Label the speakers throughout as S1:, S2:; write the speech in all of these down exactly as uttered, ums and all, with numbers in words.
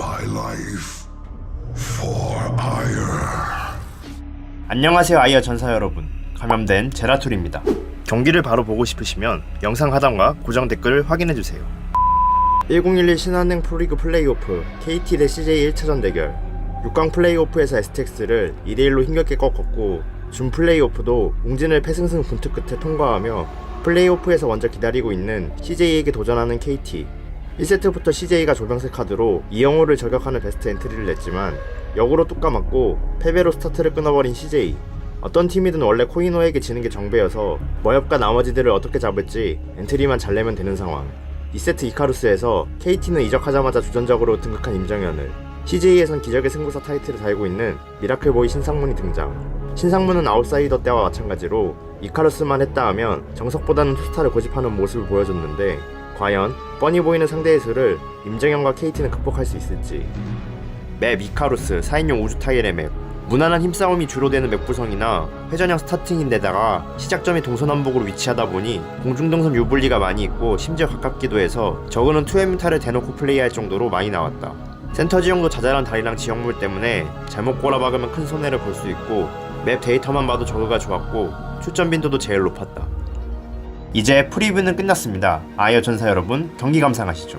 S1: my life for ire.
S2: 안녕하세요 아이어 전사 여러분, 감염된 제라툴입니다. 경기를 바로 보고 싶으시면 영상 하단과 고정 댓글을 확인해주세요. 천십일 신한은행 프로리그 플레이오프 케이티 대 씨제이 일 차전 대결. 육 강 플레이오프에서 에스텍스를 이 대 일로 힘겹게 꺾었고 준 플레이오프도 웅진을 패승승 분투 끝에 통과하며 플레이오프에서 먼저 기다리고 있는 씨제이에게 도전하는 케이티. 일 세트부터 씨제이가 조병세 카드로 이영호를 저격하는 베스트 엔트리를 냈지만 역으로 뚝 까맞고 패배로 스타트를 끊어버린 씨제이. 어떤 팀이든 원래 코이노에게 지는 게 정배여서 머엽과 나머지들을 어떻게 잡을지 엔트리만 잘 내면 되는 상황. 이 세트 이카루스에서 케이티는 이적하자마자 주전적으로 등극한 임정현을, 씨제이에선 기적의 승부사 타이틀을 달고 있는 미라클보이 신상문이 등장. 신상문은 아웃사이더 때와 마찬가지로 이카루스만 했다 하면 정석보다는 투스타를 고집하는 모습을 보여줬는데 과연 뻔히 보이는 상대의 수를 임정현과 케이티는 극복할 수 있을지. 맵 이카루스 사 인용 우주 타일의 맵. 무난한 힘싸움이 주로 되는 맵 구성이나 회전형 스타팅인데다가 시작점이 동서남북으로 위치하다 보니 공중동선 유불리가 많이 있고 심지어 가깝기도 해서 저그는 투 엠타를 대놓고 플레이할 정도로 많이 나왔다. 센터 지형도 자잘한 다리랑 지형물 때문에 잘못 꼬라박으면 큰 손해를 볼 수 있고 맵 데이터만 봐도 저그가 좋았고 출전 빈도도 제일 높았다. 이제 프리뷰는 끝났습니다. 아이어 전사 여러분, 경기 감상하시죠.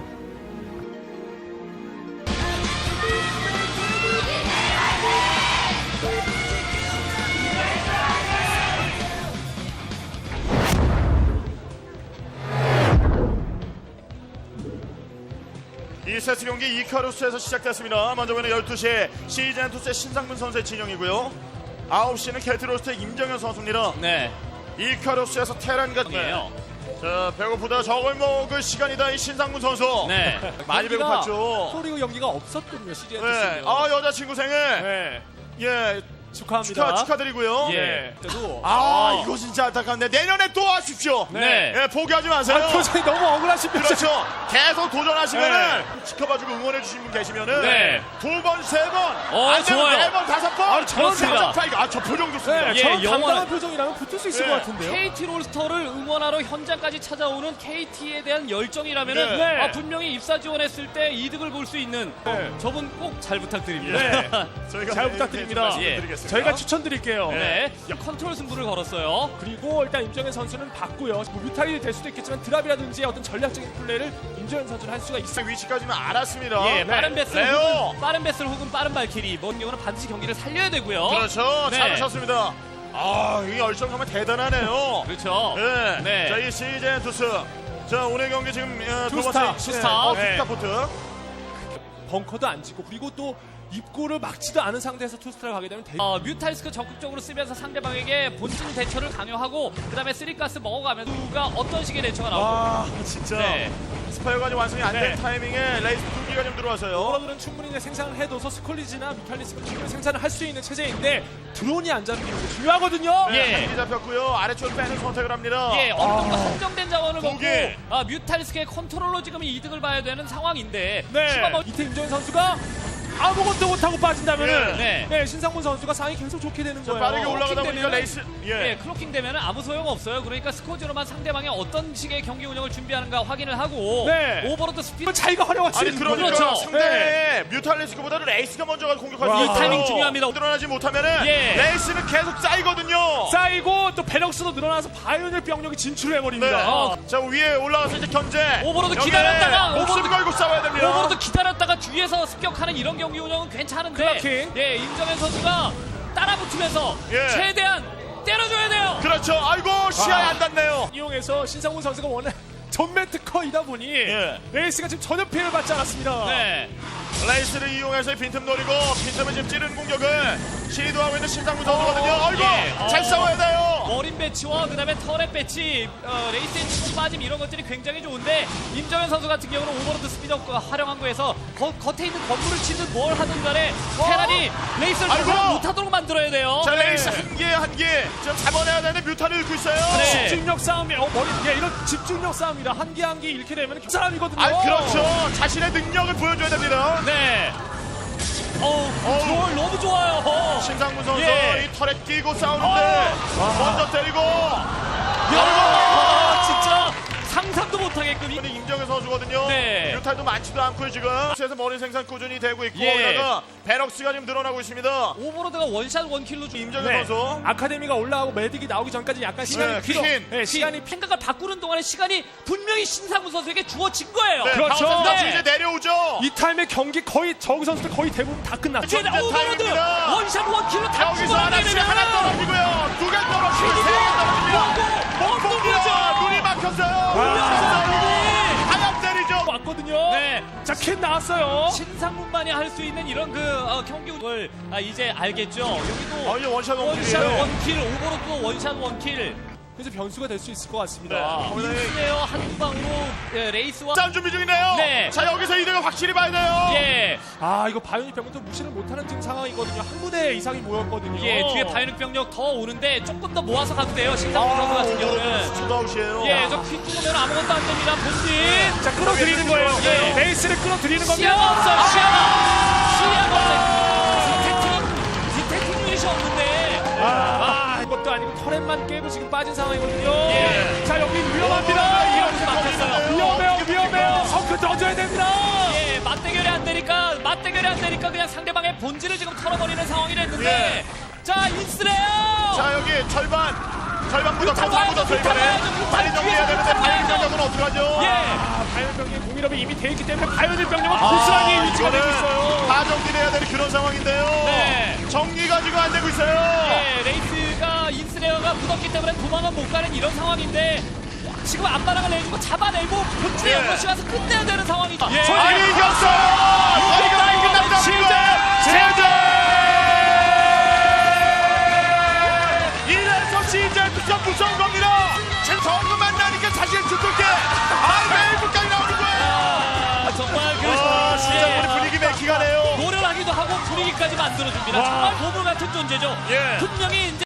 S3: 이 세트 경기 이카루스에서 시작됐습니다. 먼저 보는 열두 시에 시즌투스의 신상문 선수의 진영이고요. 아홉 시는 켈트로스트의 임정현 선수입니다.
S4: 네.
S3: 이카루스에서 테란과
S4: 이에요.
S3: 자, 배고프다 저걸 먹을 시간이다 이 신상문 선수.
S4: 네.
S3: 많이
S5: 경기가
S3: 배고팠죠.
S5: 프로리그 경기가 없었군요. 시즌
S3: 네. 아, 여자친구 생일.
S5: 네.
S3: 예.
S5: 축하합니다.
S3: 축하, 축하드리고요.
S4: 예.
S5: 그때도
S3: 아, 이거 진짜 안타깝네. 내년에 또 하십시오.
S4: 네.
S3: 예, 포기하지 마세요.
S5: 아, 표정이 너무 억울하십니다.
S3: 그렇죠. 계속 도전하시면은
S5: 네.
S3: 지켜봐주고 응원해주신 분 계시면은
S4: 네.
S3: 두 번, 세 번,
S4: 어,
S3: 안 되면
S4: 좋아요.
S3: 네 번, 다섯 번.
S5: 아, 저런
S4: 좋습니다.
S3: 아, 저 표정 좋습니다.
S5: 네,
S4: 예,
S5: 저런
S4: 영원한-
S5: 당당한 표정이라면 붙을 수 있을
S3: 네.
S5: 것 같은데요.
S4: 케이티 롤스터를 응원하러 현장까지 찾아오는 케이티에 대한 열정이라면은
S3: 네.
S4: 아, 분명히 입사 지원했을 때 이득을 볼 수 있는
S5: 네.
S4: 저분 꼭 잘 부탁드립니다.
S5: 네.
S3: 저희가
S5: 잘
S3: 네,
S5: 부탁드립니다.
S3: 네, 좀 말씀드리겠습니다.
S5: 저희가 추천드릴게요.
S4: 네. 컨트롤 승부를 걸었어요.
S5: 그리고 일단 임정현 선수는 봤고요. 뭐 뮤탈이 될 수도 있겠지만 드랍이라든지 어떤 전략적인 플레이를 임정현 선수는 할 수가 있어요.
S3: 위치까지는 알았습니다.
S4: 예, 빠른
S3: 네.
S4: 베슬
S3: 레오.
S4: 혹은 빠른 베슬 혹은 빠른 발키리 뭔 경우는 반드시 경기를 살려야 되고요.
S3: 그렇죠.
S4: 네.
S3: 잘하셨습니다. 아, 이 열정 정말 대단하네요.
S4: 그렇죠.
S3: 네.
S4: 네.
S3: 자, 이 시즌 투스. 자, 오늘 경기 지금 어, 두
S5: 투스타,
S3: 번째
S4: 투스타.
S3: 어,
S5: 네.
S3: 투스타 포트.
S5: 벙커도 안 찍고 그리고 또 입구를 막지도 않은 상태에서 투스타를 가게 되면 대...
S4: 어, 뮤탈스크 적극적으로 쓰면서 상대방에게 본진 대처를 강요하고 그 다음에 쓰리가스 먹어가면서 누가 어떤 식의 대처가 나오고
S3: 와, 진짜.
S4: 네.
S3: 스파이어가 좀 완성이 안 된
S5: 네.
S3: 타이밍에 레이스 두 기가 좀 들어와서요.
S5: 오버로드는 충분히 이제 생산을 해둬서 스콜리지나 뮤탈리스크 충분히 생산을 할 수 있는 체제인데 드론이 안 잡히는 게 중요하거든요.
S4: 예.
S3: 네, 한기 잡혔고요. 아래쪽으로 빼는 선택을 합니다.
S4: 예, 어느 정도 한정된 자원을
S3: 두
S4: 먹고
S3: 개.
S4: 아, 뮤탈스크의 컨트롤로 지금 이득을 봐야 되는 상황인데
S5: 네.
S4: 추가 뭐-
S5: 이태 임정현 선수가 아무것도 못하고 빠진다면은
S3: 예.
S4: 네.
S5: 네, 신상문 선수가 상이 계속 좋게 되는
S3: 자,
S5: 거예요.
S3: 빠르게 올라가다
S4: 클로킹
S3: 보니까
S4: 되면은-
S3: 레이스. 예.
S4: 예, 클로킹 되면 아무 소용 없어요. 그러니까 스코지로만 상대방이 어떤 식의 경기 운영을 준비하는가 확인을 하고
S5: 네.
S4: 오버로드 스피드
S5: 자기가 활용할 수
S3: 아니
S5: 있는
S3: 그러니까
S5: 거죠.
S4: 그렇죠.
S3: 상대의 뮤탈리스크보다는 레이스가 먼저 가서 공격할 수
S5: 와.
S3: 있어요.
S4: 이 타이밍 중요합니다.
S3: 드러나지 못하면은
S4: 예.
S3: 레이스는 계속 쌓이거든요.
S5: 쌓이고 또 배럭스도 늘어나서 바이오닐 병력이 진출해
S3: 네.
S5: 버립니다.
S4: 어.
S3: 자, 위에 올라가서 이제 견제.
S4: 오버로드
S3: 여기에
S4: 기다렸다가
S3: 목숨
S4: 오버로드-
S3: 걸고 싸워야 됩니다.
S4: 오버로드 기다렸다가 뒤에서 습격하는 이런 경기 운영은 괜찮은데
S5: 클로킹.
S4: 예, 임정현 선수가 따라붙으면서
S3: 예.
S4: 최대한 때려줘야 돼요.
S3: 그렇죠. 아이고 시야에
S5: 아.
S3: 안 닿네요.
S5: 이용해서 신상문 선수가 원래 전면 특허이다 보니
S3: 예.
S5: 레이스가 지금 전혀 피해를 받지 않았습니다.
S4: 네.
S3: 레이스를 이용해서 빈틈 노리고 빈틈을 지금 찌르는 공격을 시도하고 있는 신상무 선수거든요. 아이고
S4: 예.
S3: 잘
S4: 어.
S3: 싸워야 돼요.
S4: 머린 배치와 그다음에 터렛 배치, 어, 레이스의 치고 빠짐 이런 것들이 굉장히 좋은데 임정현 선수 같은 경우는 오버로드 스피드업과 활용한 거에서 거, 겉에 있는 건물을 치든 뭘 하든 간에 테란이 레이스를
S3: 아이고.
S4: 활용 못하도록 만들어야 돼요.
S3: 자, 레이스 한 개 한 개 지금 잡아내야 되는데 뮤타를 잃고 있어요.
S4: 네.
S5: 집중력 싸움이 어 머리 예, 이런 집중력 싸움이라 한 개 한 개 잃게 되면 그 사람이거든요.
S3: 아, 그렇죠. 자신의 능력을 보여줘야 됩니다.
S4: 네. 어우, 컨트롤 너무 좋아요. 어.
S3: 신상무 선수
S4: 예.
S3: 이 털에 끼고 싸우는데 먼저 때리고.
S4: 야, 진짜 상상도 못하게끔 이-
S3: 근데 임정현 선수거든요.
S4: 네.
S3: 유탈도 많지도 않고요 지금. 그래서 머리 생산 꾸준히 되고 있고
S4: 예.
S3: 거기다가 베럭스가 지금 늘어나고 있습니다.
S4: 오버로드가 원샷 원킬로 좀
S3: 임정현
S5: 네.
S3: 선수.
S5: 아카데미가 올라가고 메딕이 나오기 전까지 약간 시간이
S3: 네,
S5: 필요.
S3: 퀸.
S5: 네, 시간이
S4: 시간이 생각을 바꾸는 동안에 시간이 분명히 신상훈 선수에게 주어진 거예요.
S3: 네,
S5: 그렇죠.
S3: 파워 센터
S4: 네.
S3: 이제 내려오죠.
S5: 이 타임에 경기 거의 정 선수들 거의 대부분 다 끝났죠.
S4: 이제
S3: 전제
S4: 오버로드
S3: 타임입니다.
S4: 원샷 원킬로 다
S3: 여기서
S4: 죽어나게
S3: 하나씩
S4: 되면
S3: 하나 떨어지고요. 두 개 떨어지고 세 개 떨어집니다.
S4: 뭐고 뭐
S3: 자, 눈이 막혔어요. 하얀 때리죠.
S5: 왔거든요.
S4: 네.
S5: 자, 퀸 나왔어요.
S4: 신상문만이 할 수 있는 이런 그 어, 경기를 아, 이제 알겠죠. 여기도
S3: 아, 이제 원샷
S4: 원샷
S3: 원킬이에요.
S4: 원킬 오버로드도 원샷 원킬.
S5: 그래서 변수가 될 수 있을 것 같습니다.
S3: 네. 거기다
S4: 인스네어 한 방으로 예, 레이스와
S3: 싸움 준비 중이네요.
S4: 네.
S3: 자, 여기서 이득을 확실히 봐야 돼요.
S4: 예,
S5: 아, 이거 바이오닉 병력도 무시를 못하는 지금 상황이거든요. 한 부대 이상이 모였거든요.
S4: 예, 뒤에 바이오닉 병력 더 오는데 조금 더 모아서 가도 돼요. 신상문 선수 같은 경우는.
S3: 투다웃이에요.
S4: 예, 저퀸 죽으면 아무것도 안 됩니다. 본진.
S5: 자, 끌어들이는 거예요.
S4: 예.
S5: 레이스를 끌어들이는 겁니다.
S4: 시야가 없어요. 시야가. 시야가 없어요. 디텍팅, 디텍팅 유닛이 없는데.
S5: 아, 이것도 아니고 터렛만 깨고 지금 빠진 상황이거든요.
S4: 예.
S5: 자, 여기 위험합니다.
S4: 여기서 막혔어요.
S5: 위험해요, 위험해요. 성크 던져야 됩니다.
S4: 예, 맞대결이 안 되니까, 맞대결이 안 되니까 그냥 상대방의 본질을 지금 털어버리는 상황이 됐는데. 자, 인스레요!
S3: 자, 여기 절반. 절반보다 더
S4: 뮤탈
S3: 묻었어요,
S4: 뮤탈
S3: 이번에.
S4: 뮤탈
S3: 빨리 정리해야 되는데,
S4: 뮤탈
S3: 바이오
S4: 뮤탈
S3: 병력은 어떡하죠?
S4: 예.
S5: 아, 바이오닉 병력의 공일업이 이미 돼 있기 때문에 바이오닉 병력은 고스란히 위치가 되고 있어요.
S3: 다 정리해야 되는 그런 상황인데요.
S4: 네.
S3: 정리가 지금 안 되고 있어요.
S4: 예, 레이스가 인스레어가 묻었기 때문에 도망은 못 가는 이런 상황인데. 지금 앞바람을 내주고 잡아내고 본진에
S3: 예.
S4: 연거시 가서 끝내야 되는 상황이죠.
S3: 예. 아니, 이겼어요! 이겼어요! 끝납니다. 제재! 이래서 시즌부터 무서운 겁니다. 지금 정글 만나니까 자신을 주도게. 아, 매일 국강이 나오는 거예요.
S4: 아, 정말 그
S3: 와, 진짜
S4: 예.
S3: 우리 분위기 맥히가네요.
S4: 노련하기도 하고 분위기까지 만들어줍니다. 정말 보물 같은 존재죠.
S3: 예.
S4: 분명히 이제